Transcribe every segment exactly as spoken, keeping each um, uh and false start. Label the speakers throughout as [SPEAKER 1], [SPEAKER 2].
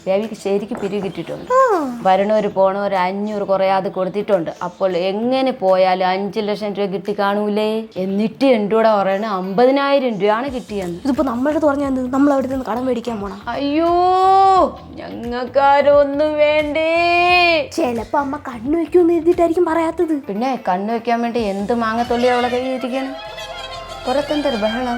[SPEAKER 1] ബേബിക്ക് ശരിക്ക് പിരിവ് കിട്ടിയിട്ടുണ്ട്. വരണവർ പോണവർ അഞ്ഞൂറ് കുറയാതെ കൊടുത്തിട്ടുണ്ട്. അപ്പോൾ എങ്ങനെ പോയാലും അഞ്ചു ലക്ഷം രൂപ കിട്ടി കാണൂലേ. എന്നിട്ട് എൻ്റെ കൂടെ പറയണ അമ്പതിനായിരം രൂപയാണ് കിട്ടിയെന്ന്.
[SPEAKER 2] ഇതിപ്പോ നമ്മളുടെ പറഞ്ഞാൽ നമ്മൾ അവിടെ നിന്ന് കടം മേടിക്കാൻ പോണം.
[SPEAKER 1] അയ്യോ ഞങ്ങൾക്കാരൊന്നും വേണ്ടേ.
[SPEAKER 2] ചിലപ്പോ അമ്മ കണ്ണു വെക്കുമെന്ന് എഴുതിയിട്ടായിരിക്കും പറയാത്തത്.
[SPEAKER 1] പിന്നെ കണ്ണു വെക്കാൻ വേണ്ടി എന്ത് മാങ്ങത്തൊള്ളി അവളെ കയ്യിരിക്കണം. പുറത്തെന്തൊരു ബഹളം.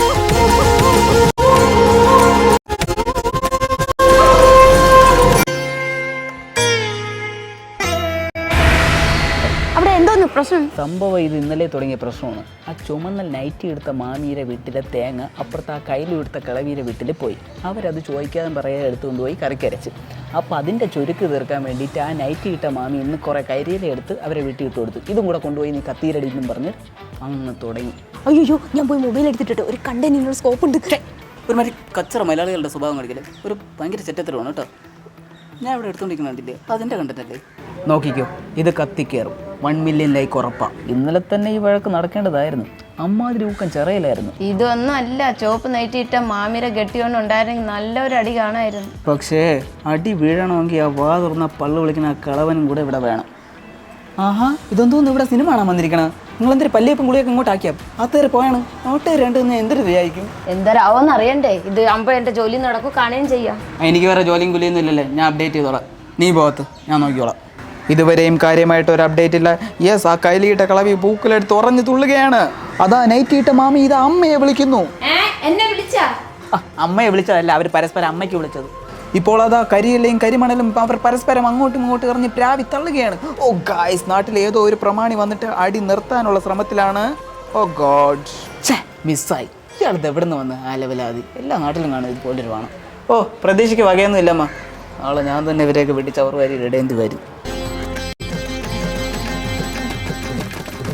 [SPEAKER 2] പ്രശ്നം
[SPEAKER 3] സംഭവം ഇത് ഇന്നലെ തുടങ്ങിയ പ്രശ്നമാണ്. ആ ചുമന്ന നൈറ്റി എടുത്ത മാമിയുടെ വീട്ടിലെ തേങ്ങ അപ്പുറത്ത് ആ കയ്യിലെടുത്ത കിളവിയുടെ വീട്ടിൽ പോയി. അവരത് ചോദിക്കാതെ പറയാതെ എടുത്തുകൊണ്ട് പോയി കറിക്കരച്ച്. അപ്പോൾ അതിൻ്റെ ചുരുക്ക് തീർക്കാൻ വേണ്ടിയിട്ട് ആ നൈറ്റി ഇട്ട മാമി ഇന്ന് കുറേ കരിയില എടുത്ത് അവരെ വീട്ടിൽ ഇട്ട് കൊടുത്തു. ഇതും കൂടെ കൊണ്ടുപോയി നീ കത്തീരടിക്കും പറഞ്ഞ് അങ്ങ് തുടങ്ങി.
[SPEAKER 2] അയ്യോ ഞാൻ പോയി മൊബൈൽ എടുത്തിട്ട് ഒരു കണ്ടന്റിനുള്ള സ്കോപ്പ് ഉണ്ട്.
[SPEAKER 3] ഒരുമാതിരി കച്ചറ മലയാളികളുടെ സ്വഭാവം കാണിക്കല്ലേ. ഒരു ഭയങ്കര ചെറ്റത്തരമാണ് കേട്ടോ. ഞാൻ ഇവിടെ എടുത്തുകൊണ്ടിരിക്കുന്നുണ്ടില്ലേ, അതിൻ്റെ കണ്ടല്ലേ. നോക്കിക്കോ, ഇത് കത്തിക്കയറും. വൺ മില്യൺ ലൈക്ക് ഉറപ്പാ. ഇന്നലെ തന്നെ ഈ വഴക്ക് നടക്കേണ്ടതായിരുന്നു. അമ്മാതിരി ഊക്കം ചെറയിലായിരുന്നു.
[SPEAKER 1] ഇതൊന്നും അല്ല, ചോപ്പ് നൈറ്റിയിട്ട മാമിരെ കെട്ടിയോണ്ട് ഉണ്ടായിരുന്നെങ്കിൽ നല്ലൊരു അടി കാണായിരുന്നു.
[SPEAKER 3] പക്ഷേ അടി വീഴണമെങ്കിൽ ആ വാ തുറന്ന പള്ളു വിളിക്കുന്ന ആ കളവനും കൂടെ ഇവിടെ വേണം. ആഹാ ഇതൊന്നും ഇവിടെ സിനിമ കാണാൻ വന്നിരിക്കണം. നിങ്ങളെന്തൊരു പല്ലിയപ്പം കുളിയൊക്കെ ഇങ്ങോട്ടാക്കിയാ അത്തേരെ പോയാണ്. നോട്ടേര് രണ്ട് എന്തൊരു വിചാരിക്കും.
[SPEAKER 1] എന്തരാവോന്ന് അറിയണ്ടേ. ഇത് ആകുമ്പോൾ എൻ്റെ ജോലി നടക്കും, കാണുകയും ചെയ്യാം.
[SPEAKER 3] എനിക്ക് വേറെ ജോലിയും കുലിയൊന്നും ഇല്ലല്ലേ. ഞാൻ അപ്ഡേറ്റ് ചെയ്തോളാം. നീ പോകത്ത്, ഞാൻ നോക്കിക്കോളാം. ഇതുവരെയും കാര്യമായിട്ട് ഒരു അപ്ഡേറ്റ് ഇല്ല. യെസ്, ആ കയ്യിലിട്ട കളവി പൂക്കളെടുത്ത് ഉറഞ്ഞു തുള്ളുകയാണ്. അതാ നൈറ്റിയിട്ട മാമി ഇത് അമ്മയെ വിളിക്കുന്നു. അമ്മയെ വിളിച്ചതല്ല, അവർ പരസ്പരം അമ്മയ്ക്ക് വിളിച്ചത്. ഇപ്പോൾ അതാ കരിയിലയും കരിമണലും അവർ പരസ്പരം അങ്ങോട്ടും ഇങ്ങോട്ടും എറിഞ്ഞ് പ്രാവി തള്ളുകയാണ്. ഓ ഗായ്സ്, നാട്ടിൽ ഏതോ ഒരു പ്രമാണി വന്നിട്ട് അടി നിർത്താനുള്ള ശ്രമത്തിലാണ്. ഓ ഗോഡ്, മിസ്സായി. ഇയാളത് എവിടെ നിന്ന് വന്ന് ആ ലെവലാതി. എല്ലാ നാട്ടിലും കാണും ഇതുപോലൊരു വേണം. ഓ പ്രതീക്ഷയ്ക്ക് വകയൊന്നും ഇല്ലമ്മ. നാളെ ഞാൻ തന്നെ ഇവരെയൊക്കെ വെട്ടിച്ചവർ വരി ഇടേണ്ടി വരും.